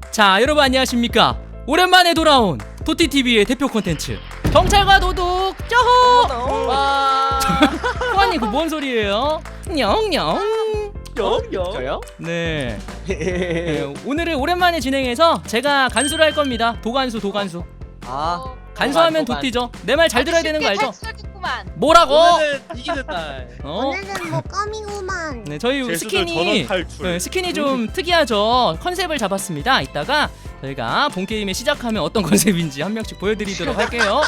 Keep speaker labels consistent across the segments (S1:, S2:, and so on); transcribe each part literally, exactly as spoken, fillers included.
S1: 자, 여러분 안녕하십니까? 오랜만에 돌아온 도티티비의 대표 콘텐츠 경찰과 도둑 쪼호!
S2: 와.
S1: 호환님 그 뭔 소리예요? 냥냥.
S2: 저요?
S1: 네. 네. 오늘은 오랜만에 진행해서 제가 간수를 할 겁니다. 도간수 도간수.
S2: 아.
S1: 간수하면
S2: 도간,
S1: 도티죠. 내 말 잘 들어야 되는 거 알죠?
S3: 탈출하겠구만.
S1: 뭐라고?
S2: 오늘은 이기는 날.
S1: 어?
S4: 오늘은 뭐 껌이구만.
S1: 네, 저희
S5: 제수들
S1: 스킨이
S5: 전원 탈출.
S1: 네, 스킨이 좀 특이하죠. 컨셉을 잡았습니다. 이따가 저희가 본 게임에 시작하면 어떤 컨셉인지 한 명씩 보여드리도록 할게요.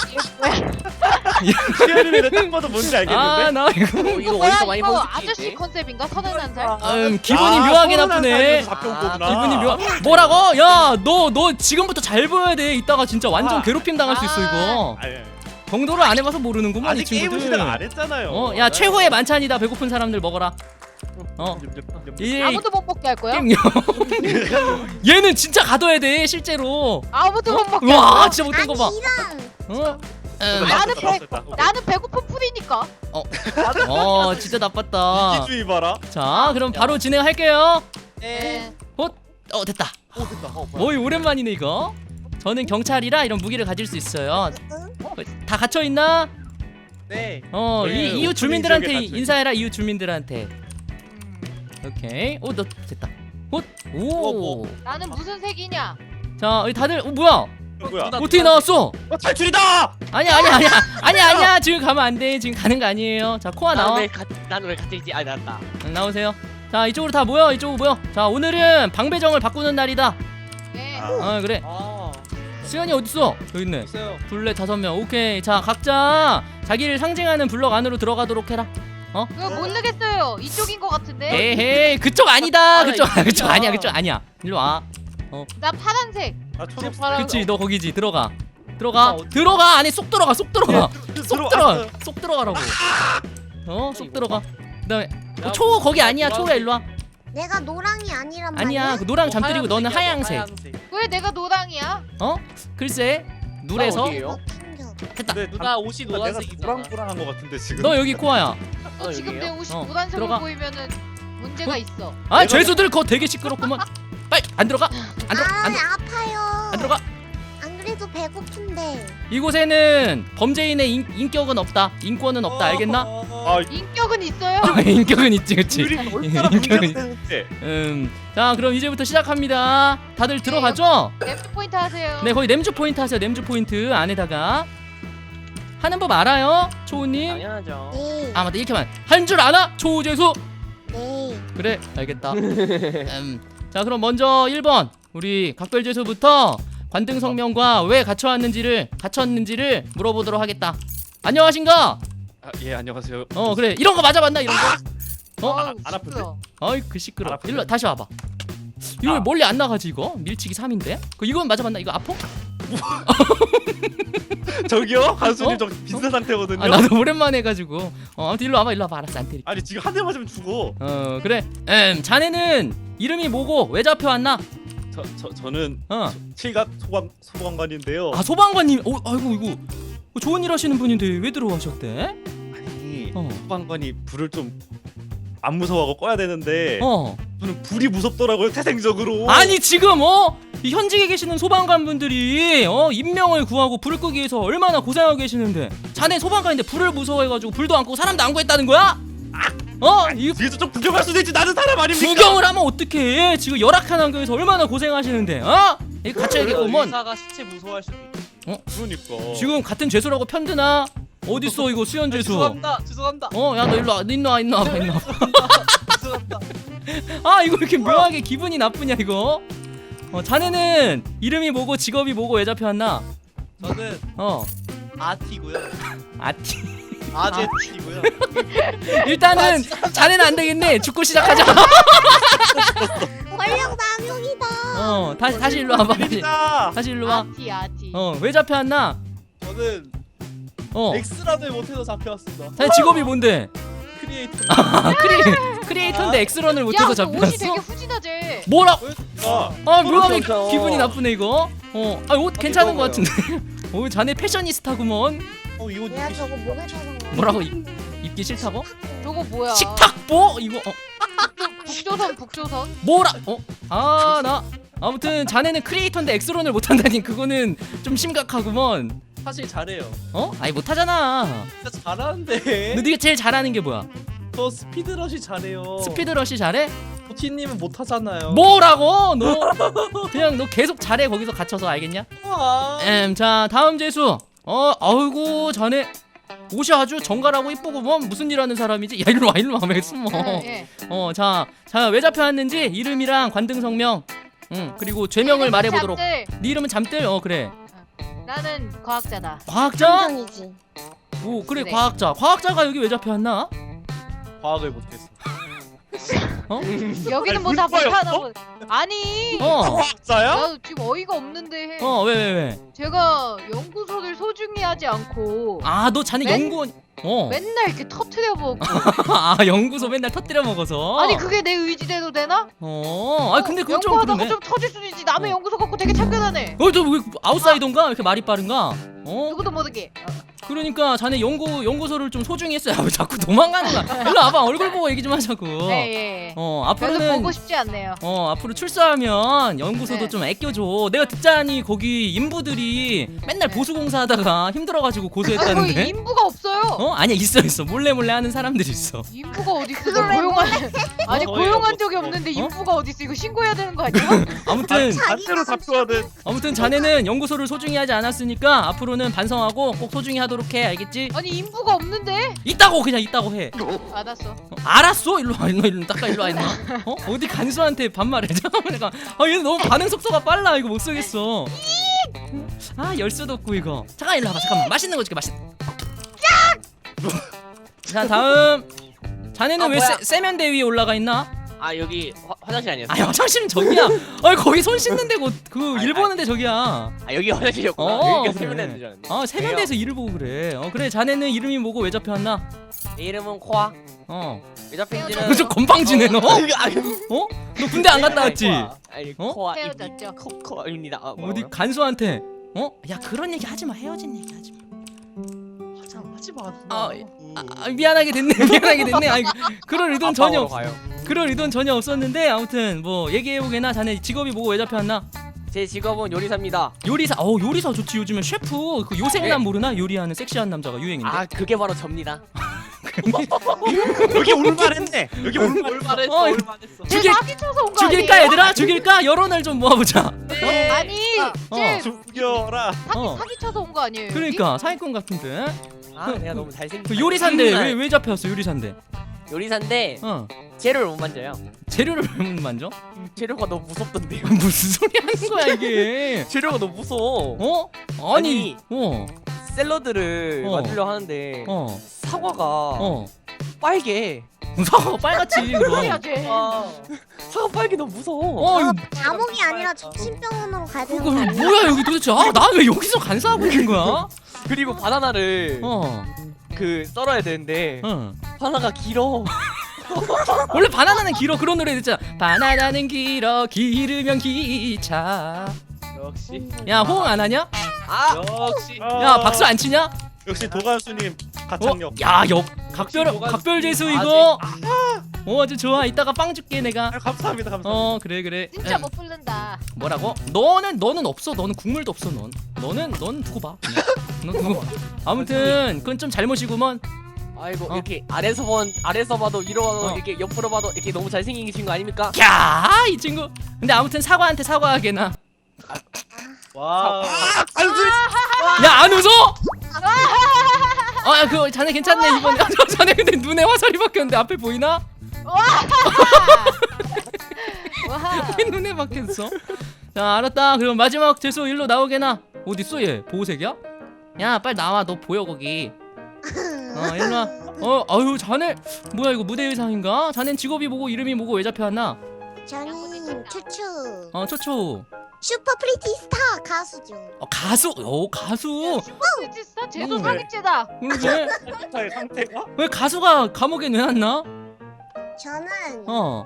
S5: 시연이는 딱 봐도 뭔지 알겠는데?
S1: 아, 나 이거
S2: 어, 이거
S3: 이거 뭐야?
S2: 어디서 많이
S3: 이거
S2: 본
S3: 아저씨
S2: 스킨인데?
S3: 컨셉인가? 서른한 살?
S1: 음, 기분이
S5: 아,
S1: 묘하게
S5: 서운한
S1: 나쁘네.
S5: 사연에서 잡혀온
S2: 아,
S5: 거구나.
S1: 기분이 묘. 뭐라고? 야, 너 너 지금부터 잘 보여야 돼. 이따가 진짜 완전
S5: 아.
S1: 괴롭힘 당할 수 있어 이거.
S5: 아니,
S1: 경도를 안 해봐서 모르는구만 이
S5: 아직 게임을
S1: 친구들.
S5: 시작 안 했잖아요.
S1: 어, 야 최고의 만찬이다. 배고픈 사람들 먹어라. 어, 이
S3: 아무도 못 먹게 할 거야?
S1: 게임요. 얘는 진짜 가둬야 돼 실제로.
S3: 아무도 못 먹게 할
S1: 와,
S3: 거야?
S1: 진짜 못된 거 봐.
S4: 이런.
S1: 어? 음.
S3: 나는
S5: 됐다,
S3: 배
S5: 됐다.
S3: 나는 배고픈 풀이니까.
S1: 어, 진짜 나빴다.
S5: 이기주의 봐라.
S1: 자, 그럼 바로 진행할게요.
S2: 네.
S1: 헛, 어 됐다.
S2: 오 됐다. 어, 뭐야?
S1: 어이 오랜만이네 이거. 저는 경찰이라 이런 무기를 가질 수 있어요. 어, 다 갇혀 있나?
S2: 네.
S1: 어,
S5: 네,
S1: 이 이웃
S5: 오프닝
S1: 주민들한테
S5: 지역에 갇혀
S1: 인사해라 이웃 주민들한테. 오케이. 오, 너 됐다. 헛,
S2: 어,
S1: 오.
S2: 뭐.
S3: 나는 무슨 색이냐?
S1: 자, 여기 다들 어 뭐야?
S5: 누구야?
S2: 누나,
S1: 어떻게
S2: 누나.
S1: 나왔어?
S5: 어, 탈출이다!
S1: 아니야, 아니야, 아니야, 아니야, 아니야. 지금 가면 안 돼. 지금 가는 거 아니에요. 자, 코아 나와.
S2: 난왜 같이 있지? 아 나왔다.
S1: 응, 나오세요. 자, 이쪽으로 다 모여. 이쪽으로 모여. 자, 오늘은 방배정을 바꾸는 날이다.
S3: 네.
S5: 아.
S1: 어, 그래.
S2: 아.
S1: 수현이 어딨어? 여기 있네.
S2: 있어요.
S1: 둘레 다섯 명. 오케이. 자, 각자 자기를 상징하는 블럭 안으로 들어가도록 해라.
S3: 그거 모르겠어요. 이쪽인 것 같은데.
S1: 에헤이, 그쪽 아니다.
S2: 아,
S1: 그쪽
S2: 이거
S1: 그쪽
S2: 아니야.
S1: 아니야. 그쪽 아니야. 일로 와.
S3: 나 파란색.
S5: 아, 초록
S2: 파란-
S1: 그치, 너 거기지. 들어가.
S2: 나
S1: 들어가.
S2: 어디-
S1: 들어가. 안에 쏙 들어가. 쏙 들어가. 쏙
S5: 들어왔어.
S1: 들어가. 쏙 들어가라고. 어, 쏙 들어가. 그다음에 어, 초 거기 아니야. 초야 일로 와.
S4: 내가 노랑이 아니란 말이야.
S1: 아니야. 그 노랑 잠들이고 너는 하양색.
S3: 왜 내가 노랑이야?
S1: 어? 글쎄. 누래서
S2: 어디예요?
S4: 튕겨.
S1: 됐다.
S5: 근데
S2: 누나 옷이
S5: 내가
S2: 노란색이잖아.
S5: 노랑노랑한 거 같은데 지금.
S1: 너 여기 코아야.
S3: 너
S2: 어,
S3: 지금 내
S2: 여기예요?
S3: 옷이
S1: 어,
S3: 노란색으로
S1: 들어가.
S3: 보이면은 문제가
S1: 어?
S3: 있어.
S1: 아,
S5: 내가-
S1: 죄수들 그거 되게 시끄럽구만. 빨리 안 들어가. 안 들어가.
S4: 아,
S1: 안, 들어-
S4: 아파요.
S1: 안 들어가.
S4: 안 그래도 배고픈데.
S1: 이곳에는 범죄인의 인, 인격은 없다. 인권은 없다. 알겠나?
S5: 아,
S3: 인격은 있어요?
S1: 인격은 있지, 그치?
S5: 우리 얼마나
S1: 인격은
S5: 문제인데.
S1: 음, 자, 그럼 이제부터 시작합니다. 다들 들어가죠?
S3: 랩 포인트 하세요.
S1: 네, 거기 냄주 포인트 하세요. 냄주 포인트 안에다가 하는 법 알아요, 초우님?
S2: 당연하죠.
S4: 네.
S1: 아, 맞다. 이렇게만 한 줄 아나? 초우재수.
S4: 네.
S1: 그래, 알겠다. 음, 자, 그럼 먼저 일 번 우리 각별재수부터 관등 성명과 왜 갇혀왔는지를 갇혔는지를 물어보도록 하겠다. 안녕하신가?
S5: 아, 예, 안녕하세요.
S1: 어, 그래. 이런 거 맞아 맞나? 이런 거? 어?
S3: 어우,
S5: 안 아픈데?
S3: 시끄러워.
S1: 어이, 그 시끄러.
S5: 알아보세요.
S1: 일로 다시 와봐. 이거 왜
S5: 아.
S1: 멀리 안 나가지 이거? 밀치기 삼인데? 그 이건 맞아 맞나? 이거 아파?
S5: 저기요? 간수님
S1: 어?
S5: 저 비슷한 상태거든요.
S1: 아, 나도 오랜만에 해가지고. 어, 아무튼 일로 와봐, 일로 와봐. 알았어, 안 때릴게.
S5: 아니 지금 한 대 맞으면 죽어.
S1: 어, 그래. 음, 자네는 이름이 뭐고 왜 잡혀왔나?
S5: 저, 저 저는
S1: 어.
S5: 칠갑 소방 소방관인데요.
S1: 아, 소방관님. 어, 아이고 이거 어, 좋은 일 하시는 분인데 왜 들어가셨대?
S5: 아니
S1: 어.
S5: 소방관이 불을 좀 안 무서워하고 꺼야 되는데
S1: 어.
S5: 저는 불이 무섭더라고요 태생적으로.
S1: 아니 지금 어? 이 현직에 계시는 소방관 분들이 어 인명을 구하고 불을 끄기 위해서 얼마나 고생하고 계시는데 자네 소방관인데 불을 무서워해가지고 불도 안 끄고 사람도 안 구했다는 거야? 어? 이
S5: 뒤에서 좀 구경할 수도 있지. 나는 사람 아닙니까?
S1: 구경을 하면 어떡해? 지금 열악한 환경에서 얼마나 고생하시는데 어? 이거 갇혀야겠구먼.
S2: 의사가 시체 무서워할 수도 있지.
S5: 그러니까.
S1: 지금 같은 죄수라고 편드나? 어딨어 이거 수현 죄수?
S2: 죄송합니다. 죄송합니다.
S1: 어, 야 너 일로 와, 너 일로 와, 일로 와, 일로 와.
S2: 죄송합니다.
S1: 아, 이거 이렇게 묘하게 기분이 나쁘냐 이거? 어, 자네는 이름이 뭐고 직업이 뭐고 왜 잡혀왔나?
S2: 저는
S1: 어,
S2: 아티고요.
S1: 아티.
S2: 아제티고요.
S1: 일단은 자네는 안 되겠네. 죽고 시작하자.
S4: 권력 남용이다.
S1: 어, 다시 다시 일로 와봐. 다시,
S5: 일이다.
S1: 다시 일로 와.
S3: 아티 아티.
S1: 어, 왜 잡혀왔나?
S2: 저는
S1: 어,
S2: 엑스라를 못해서 잡혀왔습니다.
S1: 자네 직업이 뭔데?
S2: 크리에이터.
S1: 아, 크리 크리에이터인데 엑스런을 못해서
S3: 야, 너 옷이
S1: 잡혔어?
S3: 되게 후진하지.
S1: 뭐라?
S5: 아,
S1: 아, 묘하게
S2: 그렇죠.
S1: 기분이 나쁘네 이거. 어, 아, 옷 괜찮은 것
S2: 이거고요.
S1: 같은데. 어, 자네 패셔니스타구먼.
S2: 어 이거
S4: 내가
S2: 입기
S4: 저거 목에 차는 거.
S1: 뭐라고 입, 입기 싫다고?
S3: 저거 뭐야?
S1: 식탁보? 이거 어,
S3: 북조선 북조선.
S1: 뭐라? 어? 아, 나 아무튼 자네는 크리에이터인데 엑스론을 못한다니 그거는 좀 심각하구먼.
S2: 사실 잘해요.
S1: 어? 아니 못하잖아.
S2: 진짜 잘하는데.
S1: 너 네가 제일 잘하는 게 뭐야?
S2: 저 스피드러시 잘해요.
S1: 스피드러시 잘해?
S2: 도티님은 못하잖아요.
S1: 뭐라고? 너 그냥 너 계속 잘해 거기서 갇혀서 알겠냐?
S2: 아,
S1: 음, 자 다음 재수. 어, 아이고 자네 옷이 아주 정갈하고 이쁘구먼. 무슨 일 하는 사람이지? 야 일로 와 일로 와 왜 숨어?
S3: 예.
S1: 어, 자, 자 왜 잡혀왔는지 이름이랑 관등 성명, 응 그리고 죄명을 말해보도록.
S3: 잠들.
S1: 네 이름은 잠들. 어 그래.
S3: 나는 과학자다.
S1: 과학자?
S4: 함정이지.
S1: 오 그래
S3: 네.
S1: 과학자. 과학자가 여기 왜 잡혀왔나?
S2: 과학을 못했어.
S1: 어?
S3: 여기는 뭐 다
S5: 물파였어?
S3: 못하나 보. 아니.
S1: 어.
S5: 과학자야?
S3: 나 지금 어이가 없는데.
S1: 어 왜 왜 왜?
S3: 제가 연구소를 소중히 하지 않고
S1: 아 너 자네
S3: 맨-
S1: 연구원. 어.
S3: 맨날 이렇게 터트려 먹고.
S1: 아 연구소 맨날 터뜨려 먹어서.
S3: 아니 그게 내 의지대로 되나?
S1: 어. 아 근데 그건 좀
S3: 연구하다가
S1: 그러네.
S3: 좀 터질 수도 있지. 남의
S1: 어.
S3: 연구소 갖고 되게 참견하네.
S1: 어, 저 왜 아웃사이더인가? 왜 이렇게 말이 빠른가? 어?
S3: 누구도 모르게. 어.
S1: 그러니까 자네 연구 연구소를 좀 소중히 했어요. 왜 자꾸 도망가는 거야? 일로 와봐. 얼굴 보고 얘기 좀 하자고.
S3: 네, 예.
S1: 어,
S3: 별로
S1: 앞으로는
S3: 보고 싶지 않네요.
S1: 어, 앞으로 출소하면 연구소도
S3: 네.
S1: 좀 아껴줘. 내가 듣자니 거기 인부들이 맨날
S3: 네.
S1: 보수공사하다가 힘들어가지고
S3: 아니 거기
S1: 고소했다는데.
S3: 인부가 없어요.
S1: 어? 아니야 있어 있어. 몰래 몰래 하는 사람들이 있어.
S3: 인부가 어디 있어? 나 고용한 아니
S2: 어,
S3: 고용한
S2: 어이가
S3: 적이
S2: 없어.
S3: 없는데
S1: 어?
S3: 인부가 어디 있어? 이거 신고해야 되는 거 아니야?
S1: 아무튼
S5: 반대로 잡혀하는.
S1: 아무튼 자네는 연구소를 소중히 하지 않았으니까 앞으로는 반성하고 꼭 소중히 하도록 해. 알겠지?
S3: 아니 인부가 없는데?
S1: 있다고 그냥 있다고 해.
S3: 알았어.
S1: 어, 알았어? 일로 와, 일로 일로 닦아 일로 와 임마. 어? 어디 간수한테 반말해? 잠깐만 내가. 아 얘 너무 반응 속도가 빨라. 이거 못 쓰겠어. 아 열 수도 없고 이거. 잠깐 일로 와봐. 잠깐만 맛있는 거 줄게. 맛있. 자 다음. 자네는
S6: 아,
S1: 왜
S6: 뭐야?
S1: 세, 세면대 위에 올라가 있나?
S6: 아 여기 화, 화장실 아니었어?
S1: 아 화장실은 저기야. 아 거기 손 씻는 데고 그
S6: 아니,
S1: 일 보는데 저기야.
S6: 아 여기 화장실이었구나.
S1: 어,
S6: 여기가
S1: 그래.
S6: 세면대인 줄 알았네.
S1: 아 세면대에서 일을 보고 그래. 어 그래 자네는 이름이 뭐고 왜 잡혀왔나?
S6: 내 이름은 코아.
S1: 어.
S6: 왜 잡힌지는
S1: 저 건방지네 너.
S6: 아, 이거 아니,
S1: 어? 너 군대 안 갔다 왔지?
S6: 아니
S1: 어?
S6: 코아
S3: 헤어졌죠.
S6: 코 코아입니다. 아,
S1: 어디
S6: 뭐라고요?
S1: 간수한테 어? 야 그런 얘기 하지 마. 헤어진 얘기 하지 마.
S2: 화장하지 마. 누나.
S1: 아, 아, 아 미안하게 됐네. 미안하게 됐네. 아이 그럴 의도는 전혀 없.
S6: 가요.
S1: 그럴 의도는 전혀 없었는데 아무튼 뭐 얘기해 보게나. 자네 직업이 뭐고 왜 잡혀왔나?
S6: 제 직업은 요리사입니다.
S1: 요리사. 어 요리사 좋지. 요즘엔 셰프 그 요생남
S6: 네.
S1: 모르나? 요리하는 섹시한 남자가 유행인데.
S6: 아 그게 바로 접니다.
S5: 여기 올만했네. 여기 올만.
S2: 올만했어.
S1: 어,
S2: 올만했어.
S1: 죽일-
S3: 제 사기 쳐서 온 거 아니에요?
S1: 죽일까 얘들아? 죽일까? 여론을 좀 모아보자.
S2: 네.
S3: 아니,
S1: 어.
S3: 쟤
S5: 죽여라.
S3: 사기
S1: 어.
S3: 사기 쳐서 온 거 아니에요? 여기?
S1: 그러니까 사기꾼 같은데.
S6: 아 내가 너무 잘생긴.
S1: 그 요리사인데 왜 왜 잡혀왔어? 요리사인데.
S6: 요리사인데
S1: 어.
S6: 재료를 못 만져요.
S1: 재료를 왜 못 만져?
S6: 재료가 너무 무섭던데요.
S1: 무슨 소리 하는 거야 이게?
S6: 재료가 너무 무서워.
S1: 어? 아니. 어.
S6: 샐러드를
S1: 어.
S6: 만들려 하는데
S1: 어.
S6: 사과가
S1: 어.
S6: 빨개.
S1: 사과가 빨갛지 그럼.
S3: 뭐야 쟤?
S2: 아,
S6: 사과 빨개 너무 무서워.
S1: 어 이거
S4: 감옥이 아니라 정신병원으로 가야 되는
S1: 그거
S4: 거 아니야?
S1: 뭐야 여기 도대체? 아 나 왜 여기서 간사하고 있는 거야?
S6: 그리고 바나나를
S1: 어.
S6: 그 썰어야 되는데
S1: 어.
S6: 바나나가 길어.
S1: 원래 바나나는 길어. 그런 노래 듣잖아. 바나나는 길어 기르면 기차.
S2: 역시.
S1: 야 호응 안 하냐?
S6: 아
S2: 역시.
S1: 야 박수 안 치냐?
S5: 역시 도가수님
S1: 어?
S5: 가창력.
S1: 야역 각별
S2: 역시 뭐가-
S1: 각별 재수
S2: 아직-
S1: 이거. 어 아주 좋아. 이따가 빵 줄게 내가.
S5: 아, 감사합니다. 감사합니다.
S1: 어 그래 그래.
S3: 진짜
S1: 음.
S3: 못 부른다.
S1: 뭐라고? 너는 너는 없어. 너는 국물도 없어. 넌 너는 넌 두고 봐. 그냥. 넌 두고 봐. 아무튼 그건 좀 잘못이구먼.
S6: 아이고
S1: 어.
S6: 이렇게 아래서 본 아래서 봐도 위로 봐도
S1: 어.
S6: 이렇게 옆으로 봐도 이렇게 너무 잘생긴 친구 아닙니까?
S1: 야이 친구. 근데 아무튼 사과한테 사과하게나.
S2: 와.
S1: 야 안 웃어? 아 그 자네 괜찮네 이번에. 아, 저 자네 근데 눈에 화살이 박혔는데 앞에 보이나?
S3: 와.
S1: 왜 눈에 박혔어? 자 알았다. 그럼 마지막 재수 일로 나오게나. 어딨어 얘? 보호색이야? 야 빨리 나와. 너 보여 거기. 어 일로 와. 어 아유 자네 뭐야 이거 무대 의상인가? 자넨 직업이 뭐고 이름이 뭐고 왜 잡혀왔나?
S4: 저는 추추
S1: 어 초초.
S4: 슈퍼 프리티 스타 가수죠.
S1: 어 가수. 오 가수.
S3: 진짜 제도
S1: 음.
S3: 사기죄다.
S1: 그러지?
S5: 상태의 상태가?
S1: 왜 가수가 감옥에 내놨나?
S4: 저는
S1: 어.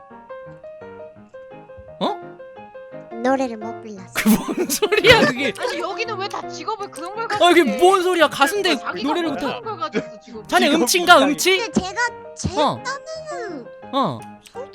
S4: 노래를 못 불렀어.
S1: 뭔 소리야 그게?
S3: 아니 여기는 왜 다 직업을 그런 걸 가지고?
S1: 아 이게 뭔 소리야? 가수인데
S3: 자기가
S1: 노래를
S3: 뭐
S1: 못해.
S3: 그런 걸 가졌어 지금.
S1: 자네
S5: 직업
S1: 음치인가
S5: 못하게.
S1: 음치?
S4: 근데 제가 제
S1: 어.
S4: 딴에는
S1: 어.
S4: 솔직히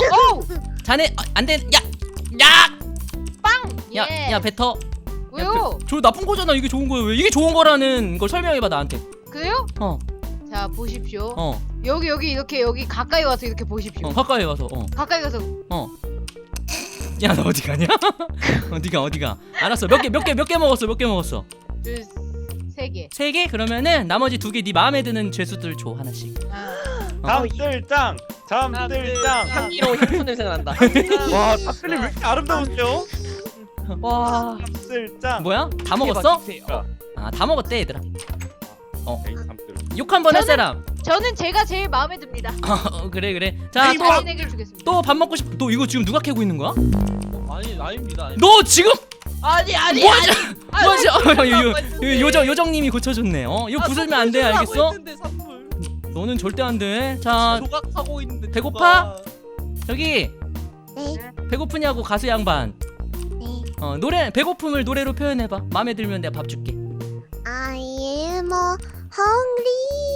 S3: 오!
S1: 자네 어, 안돼. 야, 야,
S3: 빵!
S1: 야,
S3: 예.
S1: 야 뱉어.
S3: 왜요?
S1: 저 나쁜 거잖아. 이게 좋은 거예요. 왜 이게 좋은 거라는 걸 설명해봐 나한테.
S3: 그래요?
S1: 어,
S3: 자 보십시오.
S1: 어,
S3: 여기 여기 이렇게 여기 가까이 와서 이렇게 보십시오.
S1: 어 가까이 가서. 어,
S3: 가까이 가서
S1: 어. 야, 너 어디 가냐? 어디가 어디가? 알았어. 몇 개 몇 개 몇 개 먹었어? 몇 개 먹었어?
S3: 둘세 개.
S1: 세 개? 그러면은 나머지 두 개 네 마음에 드는 죄수들 줘 하나씩.
S3: 아,
S5: 잠들짱 잠들짱.
S6: 향기로운 향수 냄새가 난다.
S5: 와 닭들이 왜 이렇게 아름다우죠?
S6: 와.
S5: 잠들짱.
S1: 뭐야? 다 먹었어?
S6: 주세요.
S1: 아, 다 먹었대 얘들아.
S5: 에이, 잠들.
S1: 욕 한 번 할
S3: 저는-
S1: 사람.
S3: 저는 제가 제일 마음에 듭니다.
S1: 어, 그래 그래. 자, 또
S3: 자신에게 주겠습니다.
S1: 또 밥 먹고 싶. 너 이거 지금 누가 캐고 있는 거야?
S2: 아니 아닙니다. 아닙니다.
S1: 너 지금
S6: 아니 아니
S1: 뭐지?
S6: 아니.
S1: 뭐지? 어, 요, 요, 요,
S6: 했는데.
S1: 요정 요정님이 고쳐줬네. 어, 이거
S2: 아,
S1: 부수면 안 돼, 알겠어?
S2: 했는데, 선물.
S1: 너는 절대 안 돼. 자,
S2: 조각하고 있는데.
S1: 배고파?
S2: 조각.
S1: 저기
S4: 네.
S1: 배고프냐고 가수 양반.
S4: 네.
S1: 어, 노래 배고픔을 노래로 표현해봐. 마음에 들면 내가 밥 줄게.
S4: I am hungry.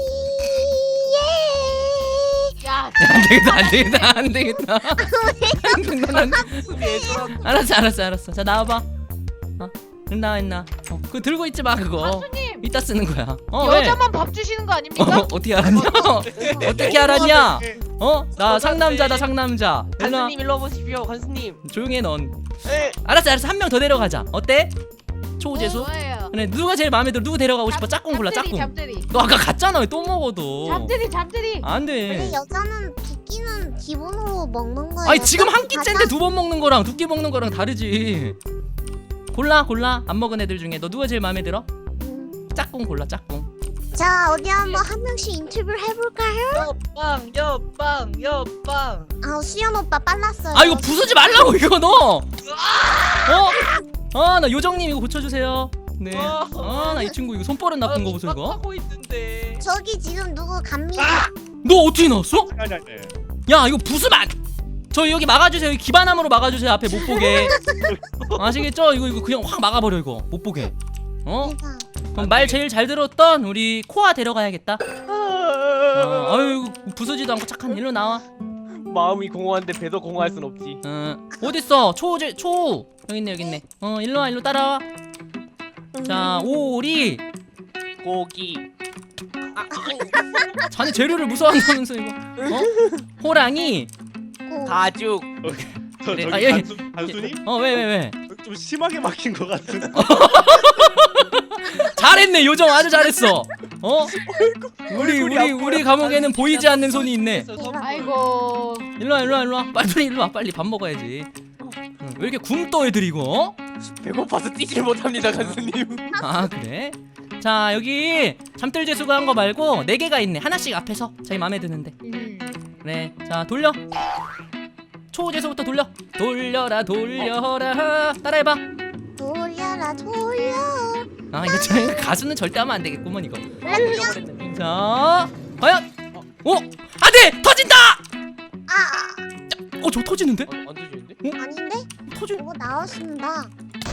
S4: Yeah.
S3: 야,
S1: 안 되겠다, 안 되겠다, 안 되겠다. 안 되겠다. 알았어, 알았어, 알았어. 자, 나와봐. 어, 나와 있나? 어, 그거 들고 있지 마 그거.
S3: 가수님
S1: 이따 쓰는 거야. 어, 왜?
S3: 여자만 밥 주시는 거
S1: 어,
S3: 아닙니까?
S1: 어떻게 알았냐? 어떻게 알았냐? 어? 나 상남자다 상남자. 일로 와.
S6: 간수님 일로 와보십시오. 간수님.
S1: 조용해 넌.
S5: 에.
S1: 알았어 알았어 한 명 더 데려가자. 어때? 초우재수?
S3: 좋아요.
S1: 그래 누가 제일 마음에 들어? 누구 데려가고 싶어? 짝꿍 골라
S3: 잠들이,
S1: 짝꿍.
S3: 잠들이.
S1: 너 아까 갔잖아 왜 또 먹어도.
S3: 잠들이 잠들이.
S1: 안
S4: 원래
S1: 돼.
S4: 여자는 두 끼는 기본으로 먹는 거예요.
S1: 아니 지금 한 끼째인데 두 번 먹는 거랑 두 끼 먹는 거랑 다르지. 골라 골라 안 먹은 애들 중에 너 누가 제일 마음에 들어?
S4: 음.
S1: 짝꿍 골라 짝꿍.
S4: 자 어디 한번 한 명씩 인터뷰를 해볼까요?
S2: 옆방 옆방 옆방.
S4: 아 수연 오빠 빨랐어요.
S1: 아 이거 부수지 말라고 이거 너. 어? 아 나 요정님 이거 고쳐주세요. 네. 아 나 이 친구 이거 손버릇 나쁜 거 보소 이거.
S2: 하고 있는데.
S4: 저기 지금 누구 갑니다.
S1: 너 어떻게 나왔어?
S5: 아니 아니.
S1: 야 이거 부수면 안. 저 여기 막아주세요. 여기 기반함으로 막아주세요. 앞에 못 보게. 아시겠죠? 이거 이거 그냥 확 막아버려 이거 못 보게. 어?
S4: 대박.
S1: 그럼 말 제일 잘 들었던 우리 코아 데려가야겠다. 어, 아유 부수지도 않고 착한 일로 나와.
S6: 마음이 공허한데 배도 공허할 순 없지.
S1: 어 어딨어? 초우제 초우 여기 있네 여기 있네. 어 일로 와 일로 따라와. 자 오리
S6: 고기.
S1: 자네 재료를 무서워한다면서 이거. 어? 호랑이.
S4: 고.
S6: 가죽.
S5: 저
S1: 그래.
S5: 저기
S1: 아, 예.
S5: 단순, 단순히
S1: 어 왜 왜 왜?
S5: 좀 심하게 막힌 것 같은.
S1: 잘했네 요정 아주 잘했어. 어? 우리 우리 우리 감옥에는 보이지 않는 손이 있네.
S3: 아이고.
S1: 일로와 일로와 일로와 빨리 일로와 빨리 밥 먹어야지. 응, 왜 이렇게 굶떠 애들이고? 어?
S6: 배고파서 뛰질 못합니다, 간수님.
S1: 아 그래? 자 여기 잠들 재수가 한 거 말고 네 개가 있네. 하나씩 앞에서 자기 마음에 드는데.
S3: 음.
S1: 그래 자 돌려. 초재수부터 돌려. 돌려라 돌려라. 따라해봐.
S4: 돌려라 돌려.
S1: 아 이거 저 가수는 절대 하면 안 되겠구먼 이거. 자 과연 오 안돼 터진다.
S4: 아
S1: 어 저 터지는데?
S6: 어, 안 되시는데?
S4: 아닌데?
S1: 터지.
S4: 이거 나왔습니다.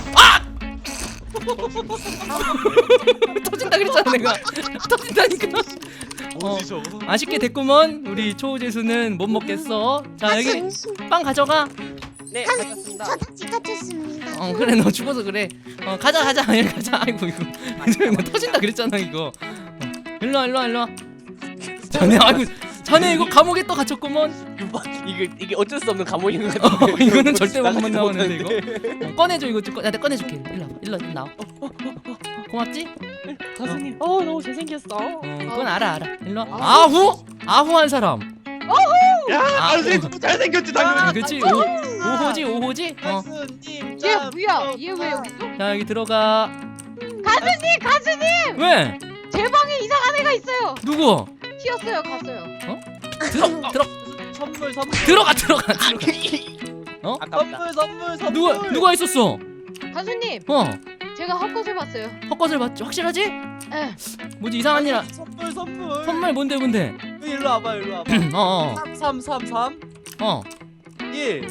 S1: 터진다 그랬잖아 내가. 터진다니까. 어,
S5: 뭐지 저거?
S1: 아쉽게 됐구먼. 우리 초재수는 못 먹겠어. 자 여기
S4: 간수.
S1: 빵 가져가.
S6: 네,
S4: 간수.
S6: 가졌습니다.
S4: 저 다시 갇혔습니다.
S1: 어 그래 너 죽어서 그래. 어 가자 가자 여기 가자. 아이고 이거 너 터진다 그랬잖아 이거. 어, 일로와 일로와 일로와. 자네 아이고 자네 이거 감옥에 또 갇혔구먼.
S6: 이게 이게 어쩔 수 없는 감옥인 것
S1: 어,
S6: 같은데.
S1: 이거는 절대 못
S6: 나가지도
S1: 나오는데 이거.
S6: 못하는데.
S1: 어, 꺼내줘 이거 좀 꺼. 내가 꺼내줄게. 일로 와봐. 일로 나와. 고맙지?
S6: 간수님, 어 너무 잘생겼어.
S1: 어 그건 알아 알아. 일로 와. 아후 아후한 사람.
S5: 야,
S1: 아,
S5: 단순히
S1: 어.
S5: 너무 잘생겼지
S1: 아,
S5: 당연히.
S1: 그치 오 오호지 오호지. 어.
S2: 가수님.
S3: 얘 뭐야? 얘 왜 여기 있어?
S1: 자 여기 들어가.
S3: 가수님, 가수님!
S1: 왜?
S3: 제 방에 이상한 애가 있어요.
S1: 누구?
S3: 튀었어요, 갔어요.
S1: 들어 들어
S2: 선물 선물.
S1: 들어가 들어가 들어가.
S6: 아깝다.
S2: 선물 선물 선물.
S1: 누가 누가 있었어?
S3: 가수님,
S1: 어
S3: 제가 헛것을 봤어요.
S1: 헛것을 봤지 확실하지?
S3: 에.
S1: 뭐지 이상한 일. 아-
S2: 선물 선물.
S1: 선물 뭔데 뭔데?
S2: 일로 와봐 일로 와봐.
S1: 어어
S2: 삼 삼 삼
S1: 어.
S2: 일.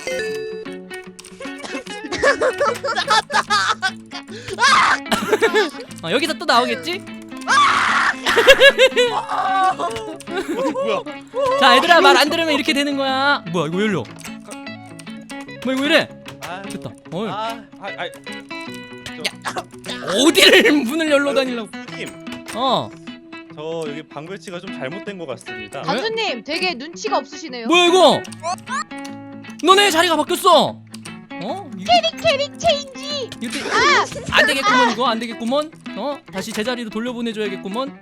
S1: 어, 여기서 또 나오겠지?
S5: 어디 뭐야?
S1: 자 얘들아 말 안 들으면 이렇게 되는 거야. 뭐야 이거 열려? 뭐 이거 이래?
S2: 아,
S1: 됐다. 어
S2: 아,
S5: 아, 아,
S1: 어디를 문을 열러 다니려고?
S5: 님,
S1: 어
S5: 저 여기 방배치가 좀 잘못된 것 같습니다.
S3: 가수님, 되게 눈치가 없으시네요.
S1: 뭐야 이거? 너네 자리가 바뀌었어. 어?
S3: 캐릭 캐릭 체인지.
S1: 이거 아! 안 되겠구먼 이거 안 되겠구먼. 어 다시 제자리로 돌려보내줘야겠구먼.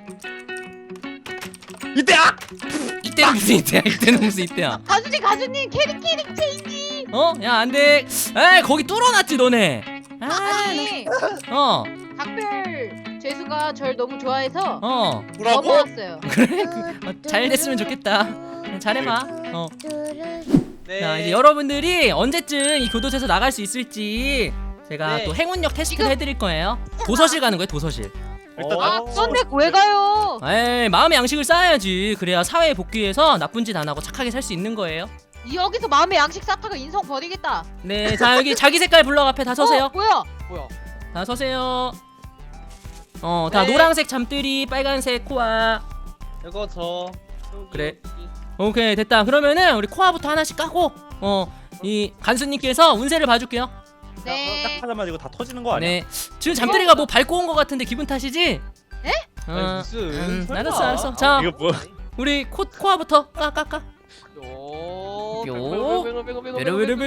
S5: 이때야!
S1: 이때는 무슨 이때야? 이때는 무슨 이때야?
S3: 가수님, 가수님, 캐릭 캐릭 체인지.
S1: 어? 야 안돼. 에이 거기 뚫어놨지 너네. 아,
S3: 아니,
S1: 어
S3: 각별 재수가 절 너무 좋아해서
S1: 어.
S5: 뭐라고?
S3: 넘어왔어요.
S1: 어, 잘 됐으면 좋겠다. 잘해봐. 어.
S2: 네.
S1: 자 이제 여러분들이 언제쯤 이 교도소에서 나갈 수 있을지 제가
S2: 네.
S1: 또 행운력 테스트를
S3: 지금-
S1: 해드릴 거예요. 도서실 가는 거예요 도서실.
S5: 일단
S3: 아,
S5: 어.
S3: 그런데 왜 가요?
S1: 에이 마음의 양식을 쌓아야지. 그래야 사회에 복귀해서 나쁜 짓 안 하고 착하게 살 수 있는 거예요.
S3: 여기서 마음의 양식 쌓다가 인성 버리겠다.
S1: 네, 자 여기 자기 색깔 블럭 앞에 다 서세요.
S3: 어, 뭐야?
S6: 뭐야?
S1: 다 서세요. 어, 다
S2: 네.
S1: 노란색 잠들이, 빨간색 코아.
S2: 이거 저. 여기,
S1: 그래.
S2: 여기.
S1: 오케이 됐다. 그러면은 우리 코아부터 하나씩 까고 어 이 간수님께서 운세를 봐줄게요.
S3: 네.
S5: 딱 하자마자 이거 다 터지는 거 아니야?
S1: 네. 지금 잠들이가 뭐 밟고 온 거 같은데 기분 탓이지?
S3: 에?
S1: 어,
S2: 아니, 무슨,
S1: 음,
S2: 설마.
S1: 알았어 알았어. 자
S5: 이거 뭐?
S1: 우리 코 코아부터 까 까 까.
S6: 요.
S1: 요.
S6: 베로 베로 베로 베로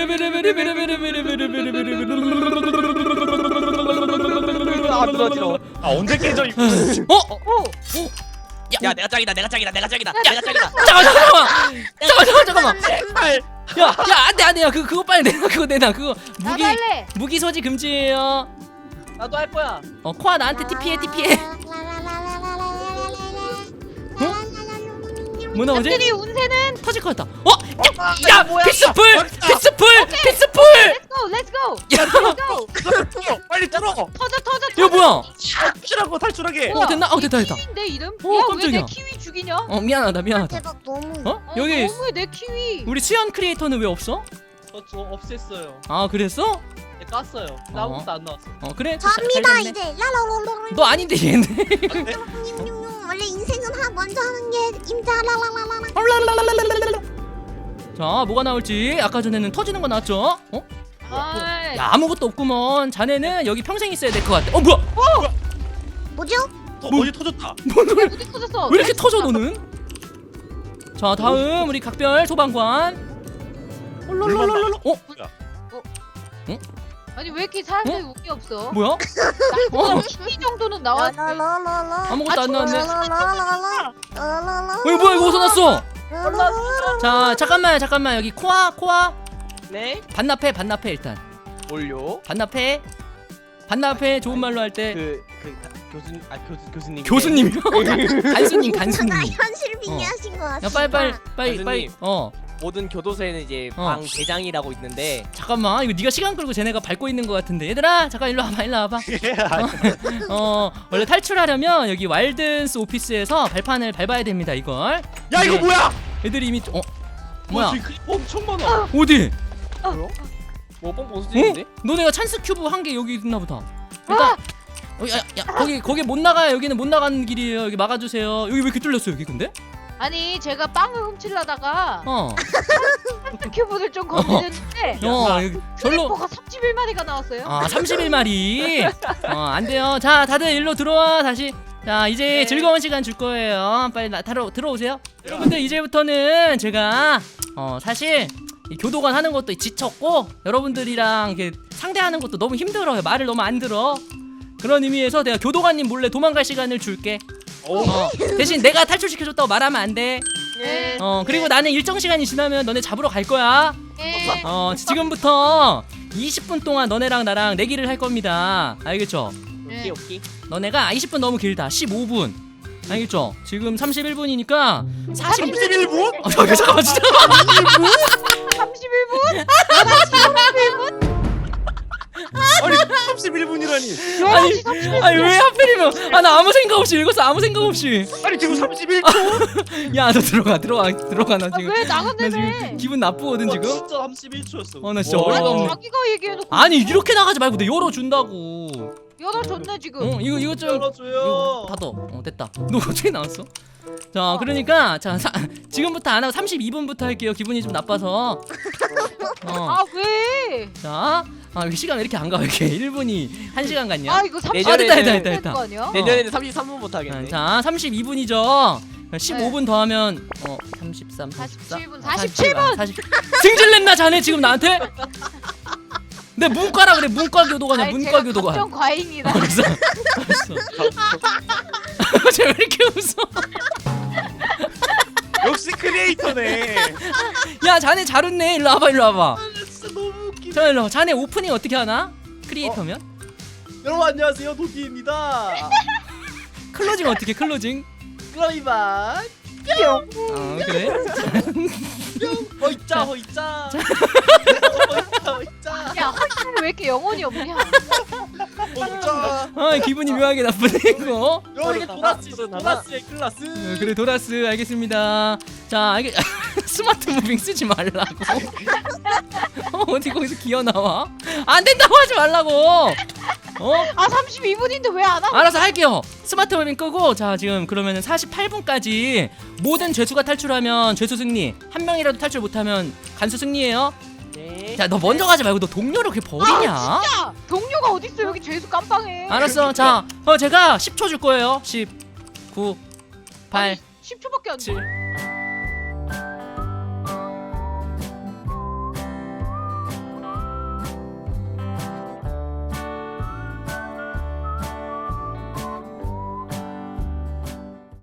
S6: 안 들어지러.
S5: 아 언제 깨져 이거?
S1: 어?
S3: 오,
S6: 야, 내가 짱이다. 내가 짱이다. 내가 짱이다. 내가 짱이다.
S1: 잠깐 잠깐만. 잠깐 잠깐 잠깐만.
S5: 발.
S1: 야, 야, 안 돼, 안 돼. 야, 그, 그거 빨리 내놔, 그거 내놔. 그거 무기,
S3: 나도 할래.
S1: 무기 소지 금지예요.
S2: 나도 할 거야.
S1: 어, 코아 나한테 티피해, 티피해. 뭐 나오지?
S3: 잠들이 운세는
S1: 터질 것 같다. 어? 야, 야,
S2: 뭐야?
S1: 피스풀, 피스풀, 피스풀.
S3: Let's go, let's go,
S1: 야,
S3: let's go.
S5: 빨리 뚫어.
S3: 터져, 터져,
S1: 이거
S3: 터져.
S1: 뭐야?
S5: 탈출하고 탈출하게.
S1: 어, 됐나? 어, 됐다, 됐다.
S3: 키위인데 이름?
S1: 오,
S3: 야, 왜
S1: 깜짝이야.
S3: 내 키위 죽이냐?
S1: 어, 미안하다, 미안하다.
S4: 대박 너무.
S1: 어?
S3: 어,
S1: 여기
S3: 너무해 내 키위.
S1: 우리 수연 크리에이터는 왜 없어?
S2: 저, 저 없앴어요.
S1: 아, 그랬어?
S2: 네, 깠어요. 나 아무것도 안 나왔어.
S1: 어, 그래.
S4: 접니다
S1: 잘 됐네.
S4: 이제. 라라라라.
S1: 너 아닌데 얘네.
S4: 원래 인생은 하 먼저 하는 게 임자 라라라라.
S1: 자, 뭐가 나올지. 아까 전에는 터지는 거 나왔죠? 어?
S3: 아이,
S1: 야, 아무것도 없구먼. 자네는 여기 평생 있어야 될 것 같아. 어, 뭐야?
S4: 뭐죠?
S5: 터,
S1: 뭐?
S5: 어디 터졌다.
S3: 어디 터졌어?
S1: 왜 이렇게 터져 너는? 자 다음 우리 각별 소방관. 롤롤롤롤. 어?
S3: 아니 왜 이렇게 사람들이 운이 없어?
S1: 뭐야?
S3: 어? 이 정도는 나왔지.
S4: 라라라라라.
S1: 아무것도 안 나왔네.
S4: 라라라라라. 라라라라.
S1: 어 이거 뭐야 이거 어디서 났어?
S4: 라라라라.
S1: 자 잠깐만 잠깐만 여기 코아 코아
S2: 네?
S1: 반납해 반납해 일단
S2: 뭘요?
S1: 반납해 반납해 좋은 말로 할 때
S2: 그, 그 교수님, 아 교수 교수님.
S1: 교수님이요? 간수님 간수님.
S4: 나 현실 빙의하신 것 같습니다.
S1: 야 빨리 빨리 빨리
S6: 교수님.
S1: 빨리 어
S6: 모든 교도소에는 이제
S1: 어.
S6: 방 대장이라고 있는데
S1: 잠깐만 이거 네가 시간 끌고 쟤네가 밟고 있는 것 같은데 얘들아 잠깐 일로 와봐 일로 와봐. 어 원래 탈출하려면 여기 와일든스 오피스에서 발판을 밟아야 됩니다 이걸.
S5: 야 이거
S1: 네.
S5: 뭐야?
S1: 애들이 이미 어 뭐야
S2: 지금 크리퍼 엄청 많아.
S1: 어디?
S2: 뭐야? 뭐 뻥뻥
S1: 어?
S2: 수준인데?
S1: 너네가 찬스 큐브 한 개 여기 있나 보다. 일단 어, 야, 야 거기 거기 못 나가요. 여기는 못 나가는 길이에요. 여기 막아주세요. 여기 왜 이렇게 뚫렸어 여기 근데?
S3: 아니 제가 빵을 훔치려다가
S1: 어.
S3: 큐브를 좀 건드렸는데
S1: 어 여기 절로.
S3: 크리퍼가 삼십일 마리가 나왔어요.
S1: 아 삼십일 마리. 어안 돼요. 자 다들 일로 들어와 다시. 자 이제
S2: 네.
S1: 즐거운 시간 줄 거예요. 빨리 나, 타러 들어오세요. 여러분들 이제부터는 제가 어 사실 이 교도관 하는 것도 지쳤고 여러분들이랑 이렇게 상대하는 것도 너무 힘들어요. 말을 너무 안 들어. 그런 의미에서 내가 교도관님 몰래 도망갈 시간을 줄게.
S5: 오.
S1: 어, 대신 내가 탈출시켜줬다고 말하면 안 돼.
S3: 네.
S1: 어 그리고 나는 일정 시간이 지나면 너네 잡으러 갈 거야.
S3: 네.
S1: 어 지금부터 이십 분 동안 너네랑 나랑 내기를 할 겁니다. 알겠죠?
S3: 네.
S2: 오케이 오케이.
S1: 너네가 이십 분 너무 길다. 십오 분. 알겠죠? 지금 삼십일 분이니까 사십.
S5: 삼십일 분?
S1: 어, 잠깐 잠깐만 진짜.
S3: 삼십일 분?
S5: 아니 삼십일 분이라니.
S1: 아니 아니 왜 하필이면 아 나 아무 생각 없이 읽었어. 아무 생각 없이.
S5: 아니 지금 삼십일 초.
S1: 야 너 들어가 들어가 들어가 나
S3: 아,
S1: 지금
S3: 왜
S1: 나
S3: 나갔네?
S1: 지금 기분 나쁘거든 지금.
S2: 진짜 삼십일 초였어.
S1: 어 나 진짜
S5: 와.
S1: 어이가
S3: 아니
S1: 없네.
S3: 자기가 얘기해놓고
S1: 아니 이렇게 나가지 말고 내 열어준다고.
S3: 열어줬네 지금.
S1: 어 이거 이거 좀
S2: 열어줘요.
S1: 이거 닫어. 어 됐다. 너 어떻게 나왔어? 자 그러니까 자 사, 지금부터 안 하고 삼십이 분부터 할게요. 기분이 좀 나빠서. 어.
S3: 아 왜?
S1: 자, 아, 왜 시간 왜 이렇게 안 가? 왜 이렇게 일 분이 한 시간 같냐?
S3: 아 이거 삼십
S1: 아, 됐다, 됐다,
S3: 분
S1: 됐다, 됐다.
S3: 거 아니야?
S6: 내년에는 삼십삼 분부터
S1: 아,
S6: 하겠네.
S1: 자, 삼십이 분이죠. 십오 분 더하면 어 삼십삼,
S3: 사십칠 분,
S1: 사십사,
S3: 사십칠 분.
S1: 사십. 승질냈나 자네 지금 나한테? 내 문과라 그래. 문과 교도관이야.
S3: 아니,
S1: 문과
S3: 제가
S1: 교도관.
S3: 감정 과잉이다.
S1: 알았어. 알았어. 쟤 왜 이렇게 웃어?
S5: 역시 크리에이터네.
S1: 야, 자네 잘 웃네. 일로 와봐, 일로 와봐.
S2: 진짜 너무 웃기네.
S1: 자, 일로. 와. 자네 오프닝 어떻게 하나? 크리에이터면?
S2: 여러분 안녕하세요 도티입니다.
S1: 클로징 어떻게? 클로징?
S2: 그럼 이만
S1: 아, 그래?
S2: 허이짜 허이짜 허이짜 허이짜
S3: 야 헐크는 왜 이렇게 영혼이 없냐?
S2: 허이짜.
S1: 아, 기분이 묘하게 나쁘네 이거.
S2: 여기 도라스 도라스의 클라스.
S1: 어, 그래 도라스 알겠습니다. 자 알겠 스마트 무빙 쓰지 말라고. 어, 어디 거기서 기어 나와? 안 된다고 하지 말라고. 어?
S3: 아 삼십이 분인데 왜 안 하고?
S1: 알아서 할게요. 스마트 무빙 끄고 자 지금 그러면은 사십팔 분까지 모든 죄수가 탈출하면 죄수 승리. 한 명이라도 탈출 못하면 간수 승리예요.
S2: 네.
S1: 자 너 먼저 가지 말고 너 동료를 그렇게 버리냐?
S3: 아 진짜 동료가 어딨어 여기 죄수 깜빵해.
S1: 알았어. 자 어, 제가 십 초 줄 거예요. 십, 구, 팔,
S3: 십 초밖에 안 돼.
S1: 칠,